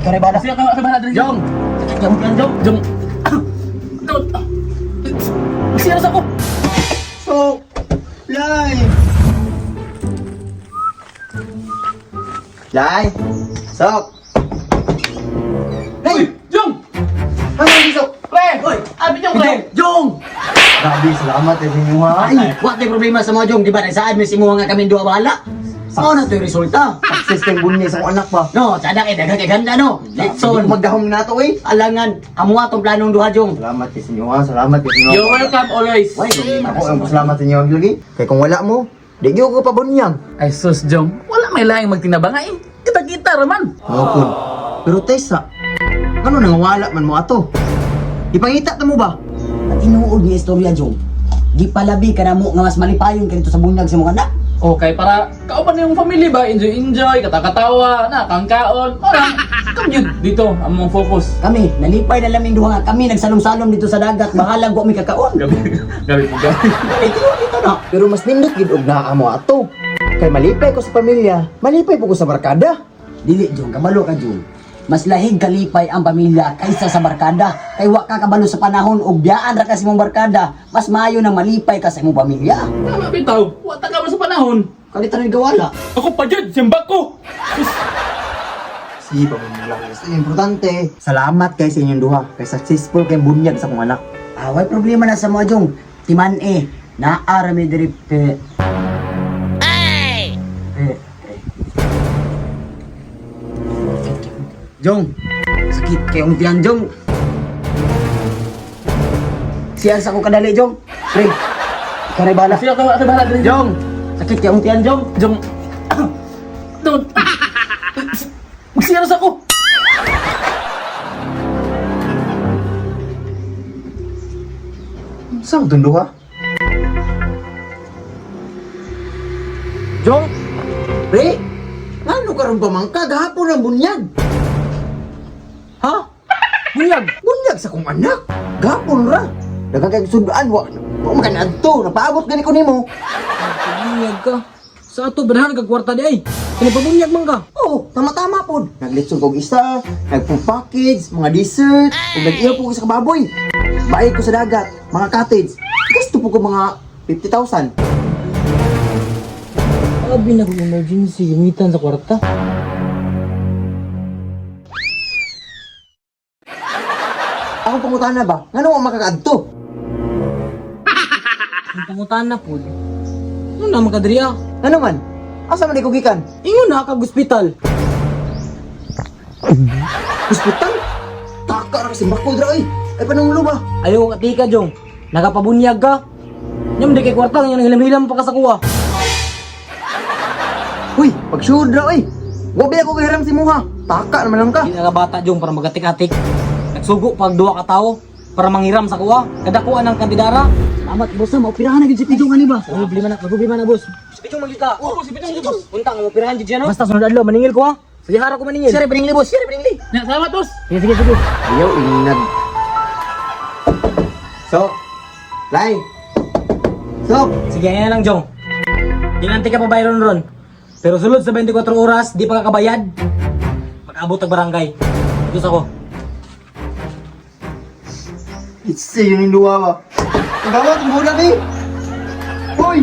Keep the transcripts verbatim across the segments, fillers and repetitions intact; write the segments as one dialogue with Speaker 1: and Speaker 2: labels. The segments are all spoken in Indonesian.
Speaker 1: ikaw na bala.
Speaker 2: Siya ka ka bala diri.
Speaker 1: Jong! Sakit yung yan, Jong.
Speaker 2: Jong. Siya sa ko.
Speaker 1: So, Lai! Lai! Sok! Lai!
Speaker 2: Jong.
Speaker 1: Ano yung Sok?
Speaker 2: Pre. Hoy, abi Jong pre.
Speaker 1: Jong! Grabe, salamat eh sa inyo ha. Ay, what yung problema sa mga Jong? Di ba naisaan may simuha nga kami dua bahala? Ano na ito yung resulta?
Speaker 3: Success kang bunya sa anak ba?
Speaker 1: No, sada kay daghang kay ganda no. Letson,
Speaker 3: Magdahom na to eh.
Speaker 1: alangan, amo atong planong duha Jong.
Speaker 3: Salamat kay sinyo ha. Salamat kay sinyo.
Speaker 2: You're welcome always.
Speaker 1: Why, problema
Speaker 3: Ako
Speaker 1: na
Speaker 3: ang
Speaker 1: sa
Speaker 3: salamat sa inyo lagi. Kaya kung wala mo, di ko ko pabunyang.
Speaker 2: Ay sus Jong, wala may laing magtinabangay. Kita-kita raman.
Speaker 3: Mokon. Pero Tessa, ano nang wala man mo ato? Ipangita ta mo ba?
Speaker 1: At inuod ni istorya Jong. Di palabi ka na mo nga mas malipayon kanito sa bunyag sa mga anak.
Speaker 2: Okay, para kauban yung family ba, enjoy-enjoy, katakatawa, na, kangkaon, orang, kamyud dito, ang mong focus.
Speaker 1: Kami, nalipay na laming duha nga kami nagsalom-salom dito sa dagat, bahalang ko mi kakaon.
Speaker 2: Gabi, gabi po gabi.
Speaker 1: Ay, tiyo dito na.
Speaker 3: Pero mas nindot gid og naa mo ato. Kay malipay ko sa pamilya, malipay po ko sa barkada.
Speaker 1: Dili Jong, kabalo ka Jong. Mas lahig kalipay ang pamilya kaysa sa barkada. Kay wa ka kabalo sa panahon og biyaan ra ka sa imong barkada, mas maayo nang malipay ka sa imong pamilya.
Speaker 2: Tama bitaw, wata ka ba sa panahon?
Speaker 1: Kalitan ni gawala.
Speaker 2: Ako pa dyan, simbak ko!
Speaker 3: Si pamilya is importante. Salamat kay sa inyong duha. Kay successful kay bunyag sa kong anak.
Speaker 1: Ah, way problema na sa mga Jong. Timan eh, naa mi diri pe. Ay! Eh, eh. Jong, sakit kayong tiyan Jong. Siya sa ko kadali Jong. Pre, ikaw na bala.
Speaker 2: Siya ka ka bahala diri.
Speaker 1: Jong, sakit kayong tiyan Jong.
Speaker 2: Jong. Don't. Siya sa ko.
Speaker 3: Saan itong duha?
Speaker 1: Jong,
Speaker 3: Pre, ano karon pamangka? Gahapon ang bunyag.
Speaker 1: ha? Bunyag.
Speaker 3: Bunyag sa kong anak. Gahapon ra. Dagang kay sudaan wa. Wa makan adto. Napaabot gani ko nimo.
Speaker 4: Bunyag ka. Sa ato, banahan ka kwarta di ay. Kini pabunyag man ka.
Speaker 3: Oh, tama-tama po. Naglitsong kog isa, nagpo-package, mga dessert, ug nag-iyo po ko sa kababoy. Bayad ko sa dagat, mga cottage. Gasto po ko mga fifty thousand.
Speaker 4: Abi na kung emergency, gamitan sa kwarta.
Speaker 3: Ako pangutana ba? Ngano ang makakaadto?
Speaker 4: Ang pangutan na po. Ano na makadriya?
Speaker 3: Ano man? Asa man ikaw gikan?
Speaker 4: Ingon na kag ospital.
Speaker 3: Hospital? Taka ra kasi bakod ra oy. Ay panunglo ba?
Speaker 4: Ayaw ka tika, Jong. Nakapabunyag ka. Nyam di kay kwarta, nga hilam-hilam pa ka sa kuha.
Speaker 3: Uy, pag-shoot ra oy. Wa ba ako kahiram si Muha? Taka naman lang ka.
Speaker 4: Hindi na bata, Jong, para magatik-atik. Nagsugo pag duwa ka tao para manghiram sa kuha. Kadakuan ng kandidara.
Speaker 1: Amat boss na, maupirahan na gid si Pidong ani ba?
Speaker 4: Ang problema na, ang problema na, boss. Si Pichong magkita. Oo, si Pichong magkita. Punta, ang operahan dyan yan, no? Basta sunod adlo, maningil ko, ha? Sige, harap ko maningil.
Speaker 1: Sire piningli boss, sire piningli.
Speaker 2: Ya, salamat boss.
Speaker 4: Sige, sige, sige.
Speaker 3: Ayaw ingag. So, Lai. So,
Speaker 4: Sige, yan lang, Jong. Ginanti ka pa bayron ron. Pero sulod sa twenty-four oras, di pa kakabayad. Mag-abot ang barangay. Ito ako.
Speaker 3: it's yun yung luwa ba? Ang gawat, ang bulan eh. Uy!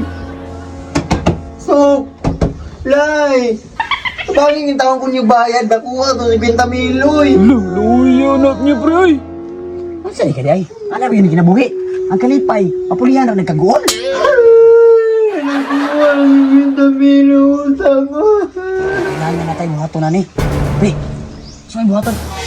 Speaker 3: So, Lai. Sabagin yung taong kong yung bayad. Nakuha to si Benta Miloy.
Speaker 4: Luluyo, anak niya, pre.
Speaker 1: Unsa ni kadi ay? Ana ba yun kinabuhi? Ang kalipay, papulihan ra nagkagoon.
Speaker 3: Nakuha si Benta Miloy. Sama.
Speaker 1: Kailangan na tayo buhaton na ni. Pre, saan buhaton?